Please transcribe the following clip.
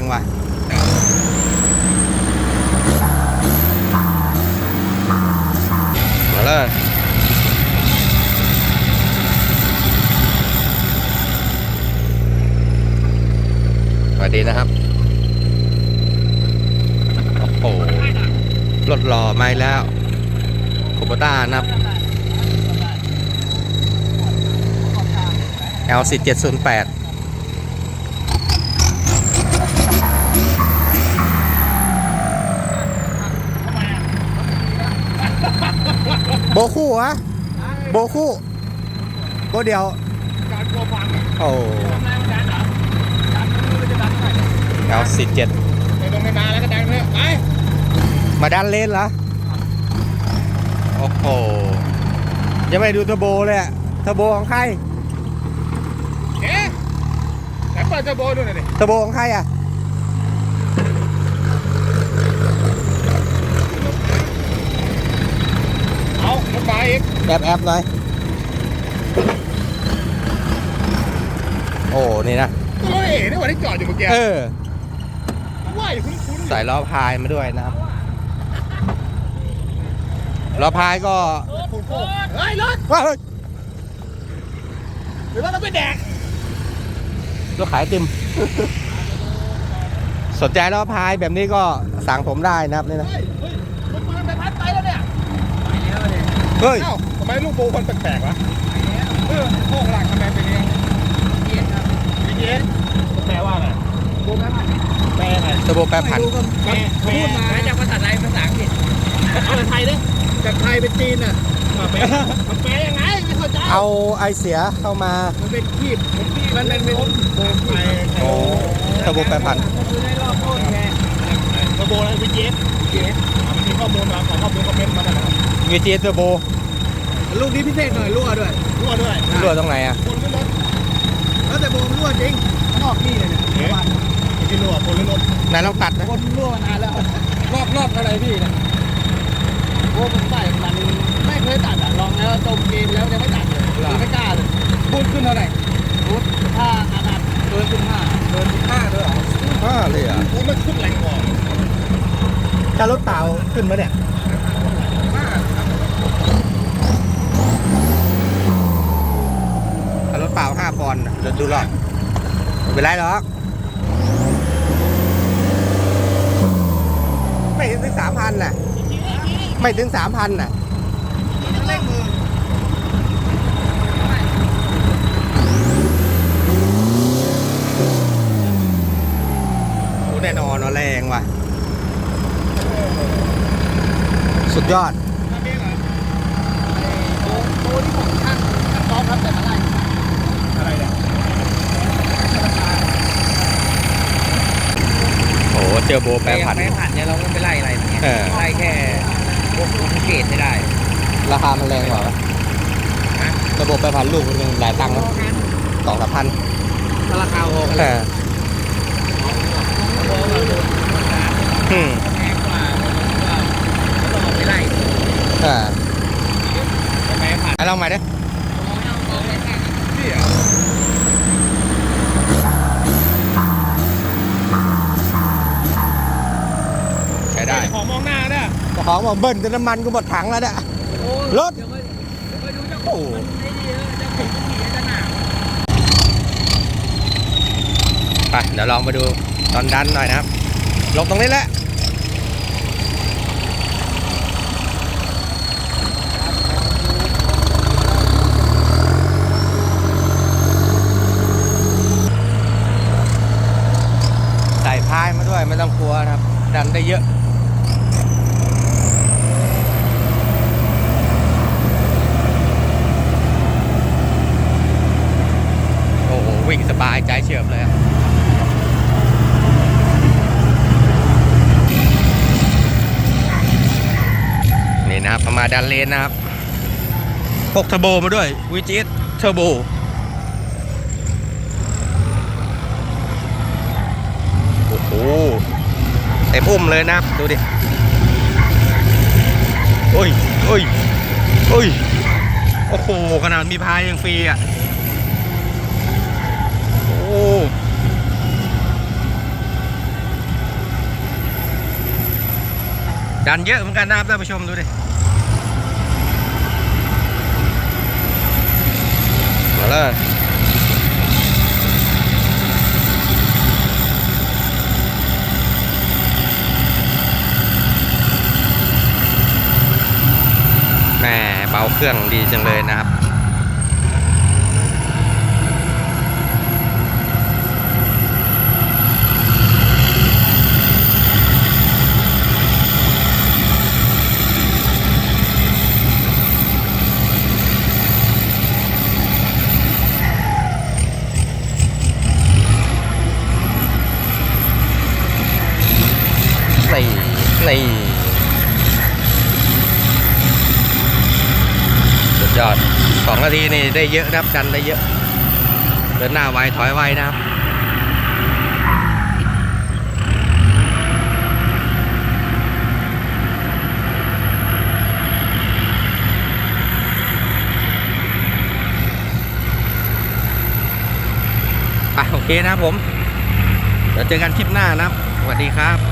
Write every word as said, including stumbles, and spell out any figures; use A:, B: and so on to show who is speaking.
A: ว่ะมาเลยสวัสดีนะครับโอ้โหรถหล่อมาแล้วคูโบต้านะครับ แอล สี่เจ็ดศูนย์แปด โบคู่ฮะโบคู่โบเดียวโอ้ แอล สี่เจ็ด
B: ไปลงมาแล้วก็ดังเลยไป
A: มาดันเลนเหรอโอ้โหยังไม่ดูเทอร์โบเลยอะเทอร์โบของใคร
B: เอ๊ะไหนเปิดเทอร์โบดูหน่อยดิ
A: เทอร์โบของใครอะ
B: เอารถมาอีก
A: แอบแอบเลยโอ้นี่นะ
B: ตัวรถเอ๋นี่วันที่จอดอยู่เมื่อกี้
A: เออ
B: ว่าอยู่คุ้นๆ
A: ใส่ล้อพายมาด้วยนะครับล้อพายก็
B: เฮ้ยรถ
A: ว้าว
B: หรือว่าเราไปแดก
A: รถขายติม สนใจล้อพายแบบนี้ก็สั่งผมได้นะครับนี่นะ
B: เฮ้ยรถมันไปพัดไปแล้วเนี่ย
A: เฮ้ย
B: เอ้าทำไมลูกโบมันแปลกๆวะเออโค้งหลังทำไมเป็นอย่างนี้เย็นครับเย็นแปลว่าอะไรโบแปลว่าแปลอะไร
A: เทอร์โบแปรผัน
B: แปลพูดมาจากภาษาไทยภาษาอังกฤษเอาจากไทยดิจากไทยเป็นจีนอ่ะมาแปลมันแปลยังไงไม่เข้าใจ
A: เอาไอเสียเข้ามา
B: มันเป็นขีดมันเป็นโบไทย
A: โอ้เทอร์โบแปรผัน
B: คือได้รอบโคตรไงเทอร์โบอะไรเป็นเย็นเย็นมันมีข้อมูลมาขอข้อมูลคอมเมนต์มาหน่อยนะครับ
A: วี จี เทอร์โบ
B: ลูกนี้พิเศษหน่อยรั่วด้วยรั่วด้วย
A: รั่วตรงไหนอ่ะ
B: คนไม่ลดแล้วแต่โบมรั่วจริงนอกนี่เลยเนี่ยบ้านที่รั่วคนไม่ลด
A: ไหนลองตัดนะ
B: คนรั่วนานแล้วรอบรอบอะไรพี่เนี่ยโบผมใส่มันไม่เคยตัดอ่ะลองแล้วจมกินแล้วยังไม่ตัดเลยไม่กล้าเลยพูดขึ้นเท่าไหร่พูดถ้าอาดัดเกินขึ้นห้าเกินห้าด้วยเหรอ
A: ห้าเลยอ่ะ
B: พูดมันขึ้นแรงกว่า
A: ถ้ารถเต่าขึ้นมาเนี่ยรถเปล่าห้าปอนด์เดี๋ยวดูหรอกไม่เป็นไรหรอกไม่ถึงสามพันน่ะไม่ถึงสามพันน่ะโอ้แน่นอนแรงว่ะสุดยอด
B: โอ้โหที่ผมช่างช่างซ้อมครับแต่อะไรอะไรเนี่ย
A: โอ้เจอโบแปรผัน
B: แปรผันเนี่ยเราไม่ไปไล่อะไรอย่างเงี้ยไล่แค่พวกลูกเกตไม่ได้
A: ราคามันแรงกว่าระบบแปรผันลูกมันหลายตังค์นะสองสามพัน
B: ราคาโอเค
A: อืม
B: แพงกว่าเราไม่ไล่
A: อ่า
B: แปรผัน
A: ให้ลองใหม่ดิใช้ได้
B: ของมองหน้าเนี่ย
A: ของบอกเบิ้ลจนน้ำมันก็หมดถังแล้วเนี่ยรถโอ้ไปเดี๋ยวลองมาดูตอนดันหน่อยนะครับลงตรงนี้แหละใส่พายมาด้วยไม่ต้องกลัวนะครับดันได้เยอะโอ้โหวิ่งสบายใจเฉียบเลยนี่นะครับมาดันเลนนะครับพกเทอร์โบมาด้วยวี จี เทอร์โบโอ้โหเต็มอุ้มเลยนะครับดูดิโอ้ยโอ้ยโอ้ยโอ้โหขนาดมีพายยังฟรีอ่ะโอ้ดันเยอะเหมือนกันนะครับท่านผู้ชมดูดิมาเลยแม่เบาเครื่องดีจังเลยนะครับนี่นี่สุดยอดสองนาทีนี่ได้เยอะนะครับดันได้เยอะเดินหน้าไวถอยไวนะครับไปโอเคนะครับผมเดี๋ยวเจอกันคลิปหน้านะครับสวัสดีครับ